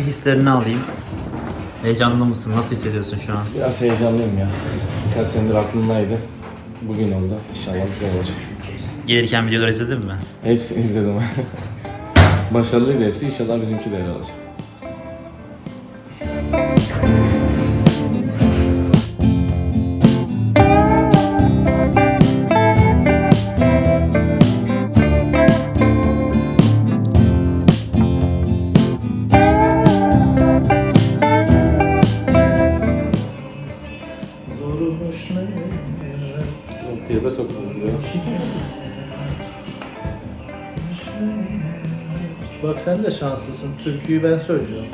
hislerini alayım. Heyecanlı mısın? Nasıl hissediyorsun şu an? Biraz heyecanlıyım ya. Birkaç senedir aklımdaydı. Bugün oldu. İnşallah güzel olacak. Gelirken videoları izledin mi? Hepsini izledim. Başarılıydı hepsi. İnşallah bizimki de öyle olacak. Tiyabe soktunuz bize. Bak sen de şanslısın. Türküyü ben söylüyorum.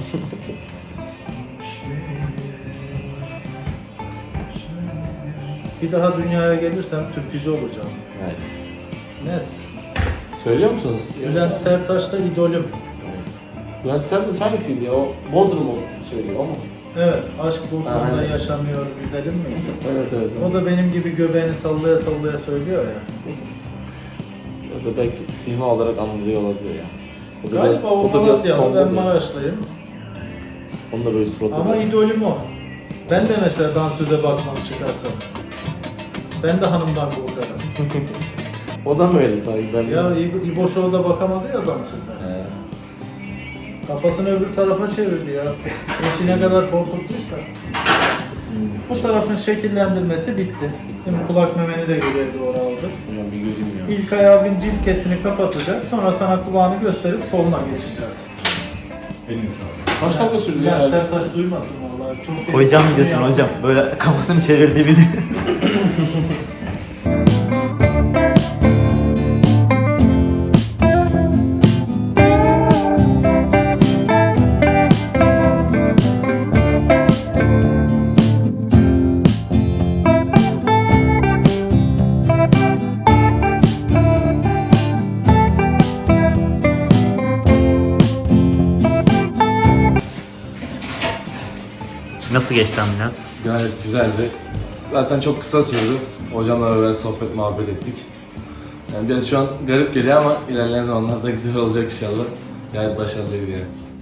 Bir daha dünyaya gelirsem türkücü olacağım. Evet. Net. Söylüyor musunuz? Bülent Serttaş'ta idolüm. Bülent Serttaş hangisiydi ya? O Bodrum'u söylüyor o mu? Evet, aşk bu konuda Aynen. yaşamıyor güzelim miydi? Evet evet. O da benim gibi göbeğini sallaya sallaya söylüyor ya. Biraz da belki sima olarak anılıyor olabilir ya. Galiba o Malatyalı, ben Maraşlıyım. Onun da böyle suratı Ama biraz- idolüm o. Ben de mesela dansöze bakmam çıkarsam. Ben de hanımdan korkarım. O da mı öyle tabii ben Ya İbo Show'da bakamadı ya dansöze. He. Kafasını öbür tarafa çevirdi ya. Eşi ne kadar korkuttuysa. Bu tarafın şekillendirmesi bitti. Şimdi kulak memeni de görevli oraldı. Hocam bir gözüm ya. İlk ayağın cilkesini kapatacak. Sonra sana kulağını gösterip soluna geçeceğiz. Elini sağlık. Kaç dakika sürdü Ya ya? Sertaç duymasın vallahi. Çok Koyacağım tehlikeli videosunu ya. hocam. Böyle kafasını çevirdiği video. Nasıl geçti ambulans? Gayet güzeldi. Zaten çok kısa sürdü. Hocamla beraber sohbet muhabbet ettik. Yani biraz şu an garip geliyor ama ilerleyen zamanlarda güzel olacak inşallah. Gayet başarılıydı yani.